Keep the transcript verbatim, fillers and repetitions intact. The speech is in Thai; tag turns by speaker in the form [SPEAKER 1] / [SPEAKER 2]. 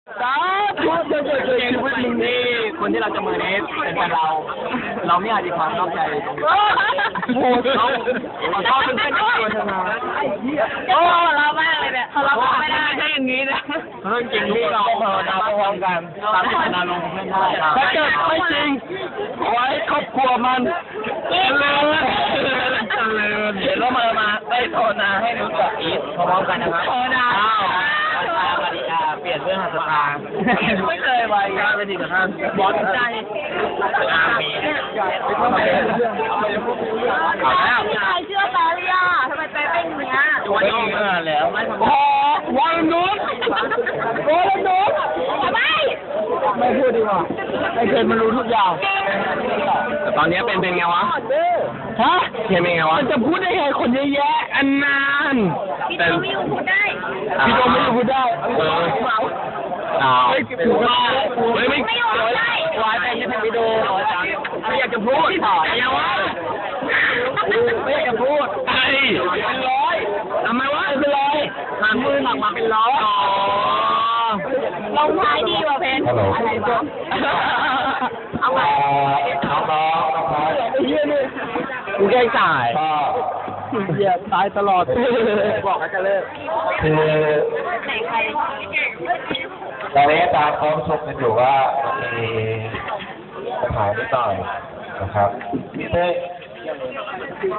[SPEAKER 1] สาธุจะเกิดชีวิตมึงนี่คนที่เราจะมือนี้เป็นแฟนเรา เราไม่อาจจะความนอกใจตรงนี้โอ้เขาเขาเป็นเพื่อนกันตัวเธอมาไอ้เหี้ย
[SPEAKER 2] โอ้เรามากเลยเนี่ยเราไม่ได้ไม่ใช่อย่างนี้นะ
[SPEAKER 1] เรื่องจริงที่เราภาวนาพร้อมกันตามที่นาลงเพื่อนได้ถ้าเกิดไม่จริงขอให้ครอบครัวมันเจริญเจริญเดี๋ยวเรามามาได้ภาวนาให้รู้จักอีทพร้อมกันนะครับ
[SPEAKER 2] ภาวนา
[SPEAKER 1] อ้าวมาริยาเปลี่ยนเรื่องหัตถาไม่เคยไปครับเป็นดีกับท่านบอสใจอามีเอาแล้ว
[SPEAKER 2] พี่ชายเชื่อแปรเลยอ่ะทำไมแปรเป็นอย่างเงี้ย
[SPEAKER 1] วันนี้เมื่อแล้วพอวันนู้นวันนู้น
[SPEAKER 2] ทำไม
[SPEAKER 1] ไม่พูดดีกว่าไอ้เคนมันรู้ทุกอย่างแต่ตอนนี้เป็นเป็นไงวะฮะเคนเป็นไงวะจะพูดได้ไงคนเยอะแยะอันนาน
[SPEAKER 2] พี่โดมิวพูดได้
[SPEAKER 1] พี่โดไม่พูดได้เอออ้าวพูดได้เฮ้ยไม่
[SPEAKER 2] ไม่ยอมได้
[SPEAKER 1] วายแต่ยังไม่ไปดูไม่อยากจะพูดถอยยังวะไม่อยากจะพูดไอ้เป็นร้อยทำไมวะเป็นร้อยทำมือหนักมาเป็นร้อยอ๋อ
[SPEAKER 2] ลงท้ายดีกว่าเพนอะไรวะเอาไป
[SPEAKER 1] น้องน้องน้องไอ้เหี้ยนี่กูแกล้งตายเหี้ยตายตลอดบอกให้จะเลิก
[SPEAKER 3] คือ
[SPEAKER 2] ไหนใคร
[SPEAKER 3] ตอนนี้อาจารย์เขาชมกันอยู่ว่ามีปัญหานิดหน่อยนะครับซึ่ง